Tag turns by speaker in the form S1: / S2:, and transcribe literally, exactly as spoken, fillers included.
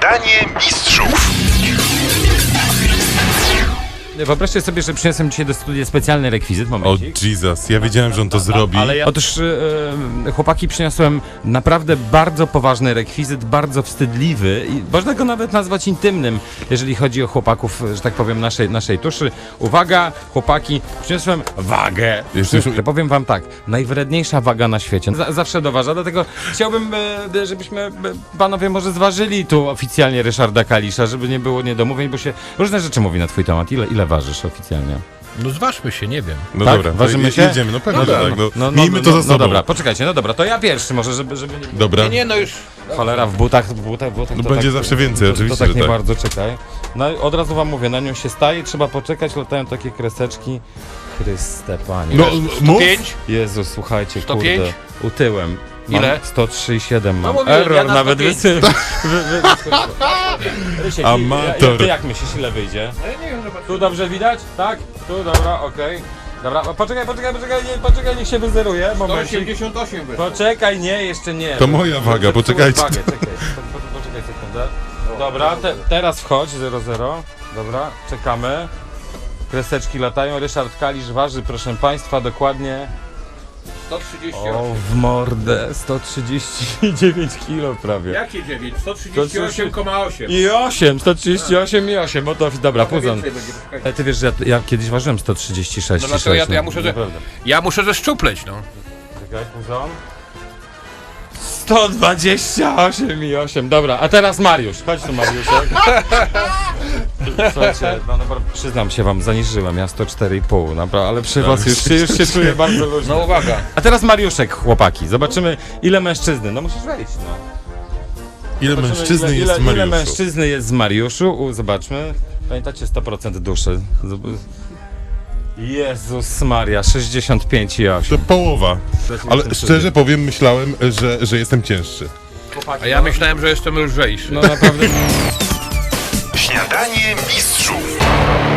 S1: Śniadanie mistrzów.
S2: Wyobraźcie sobie, że przyniosłem dzisiaj do studia specjalny rekwizyt,
S3: O
S2: momencik.
S3: Jesus, ja wiedziałem, że on to zrobi.
S2: Ale ja... Otóż e, chłopaki przyniosłem naprawdę bardzo poważny rekwizyt, bardzo wstydliwy i można go nawet nazwać intymnym, jeżeli chodzi o chłopaków, że tak powiem, naszej, naszej tuszy. Uwaga, chłopaki, przyniosłem wagę.
S3: Jeszcze-
S2: Przyniosłem, powiem wam tak, najwredniejsza waga na świecie. Z zawsze doważa, dlatego chciałbym, e, żebyśmy e, panowie może zważyli tu oficjalnie Ryszarda Kalisza, żeby nie było niedomówień, bo się różne rzeczy mówi na twój temat. Ile, ile ważysz oficjalnie?
S4: No zważmy się, nie wiem.
S3: No
S2: tak?
S3: dobra,
S2: Ważymy
S3: je-
S2: się?
S3: jedziemy, no pewnie,
S2: Dobra,
S3: że tak. No,
S2: no, no,
S3: miejmy
S2: no,
S3: to
S2: no,
S3: za sobą.
S2: No dobra, poczekajcie, no dobra, to ja pierwszy może, żeby, żeby nie...
S3: Dobra.
S4: Nie, nie, no już...
S2: Cholera, w butach, w butach, w butach
S3: No
S2: to
S3: będzie
S2: tak,
S3: zawsze więcej,
S2: to,
S3: oczywiście,
S2: To tak
S3: że
S2: nie
S3: tak.
S2: bardzo, czekaj. No od razu wam mówię, na nią się staje, trzeba poczekać, latają takie kreseczki. Chryste Panie.
S3: No, mów.
S4: pięć?
S2: Jezus, słuchajcie,
S4: sto
S2: kurde.
S4: pięć?
S2: Utyłem. Mam
S4: Ile?
S2: sto trzy i siedem mam.
S4: No mówiłem,
S2: Error
S4: ja na
S2: nawet
S4: sto pięć.
S2: wysy... wy, wy, Rysiek,
S3: Amator.
S2: ja- Ty jak myślisz, ile wyjdzie? Tu dobrze widać? Tak? Tu, dobra, okej. Dobra, o, poczekaj, poczekaj, poczekaj, nie, poczekaj, niech się wyzeruje, moment.
S4: osiemdziesiąt osiem wyszło.
S2: Poczekaj, nie, jeszcze nie.
S3: To moja waga,
S2: Zepsułeś
S3: poczekajcie.
S2: Wagę, czekaj, po, po, poczekaj sekundę. Dobra, te, teraz wchodź, zero zero. Dobra, czekamy. Kreseczki latają, Ryszard Kalisz waży, proszę państwa, dokładnie...
S4: sto trzydzieści
S2: O,
S4: osiem.
S2: w mordę, sto trzydzieści dziewięć kilo prawie.
S4: Jakie dziewięć? sto trzydzieści osiem przecinek osiem.
S2: I osiem, sto trzydzieści osiem i osiem, o to, dobra,
S4: Trochę
S2: puzon.
S4: więcej będzie, poczekajcie.
S2: Ale ty wiesz, że ja, ja kiedyś ważyłem sto trzydzieści sześć.
S4: No dlatego ja- ja muszę, że-
S2: Naprawdę.
S4: Ja muszę zeszczupleć, no.
S2: Czekaj, puzon. sto dwadzieścia osiem i osiem, dobra, a teraz Mariusz, chodź tu Mariuszek. Słuchajcie, no, no, przyznam się wam, zaniżyłem, ja sto cztery i pół, naprawdę, ale przy was już, się- już się czuję bardzo luźno.
S4: No uwaga.
S2: A teraz Mariuszek, chłopaki, zobaczymy ile mężczyzny, no musisz wejść, no.
S3: Ile
S2: Zobaczymy,
S3: mężczyzny
S2: ile,
S3: jest
S2: ile,
S3: w
S2: ile
S3: Mariuszu?
S2: mężczyzny jest z Mariuszu, U, zobaczmy. Pamiętacie sto procent duszy. Zob- Jezus Maria, sześćdziesiąt pięć i
S3: To
S2: osiem.
S3: połowa. Ale szczerze powiem, myślałem, że, że jestem cięższy.
S4: A ja myślałem, że jestem lżejszy.
S2: No naprawdę.
S1: Śniadanie mistrzów.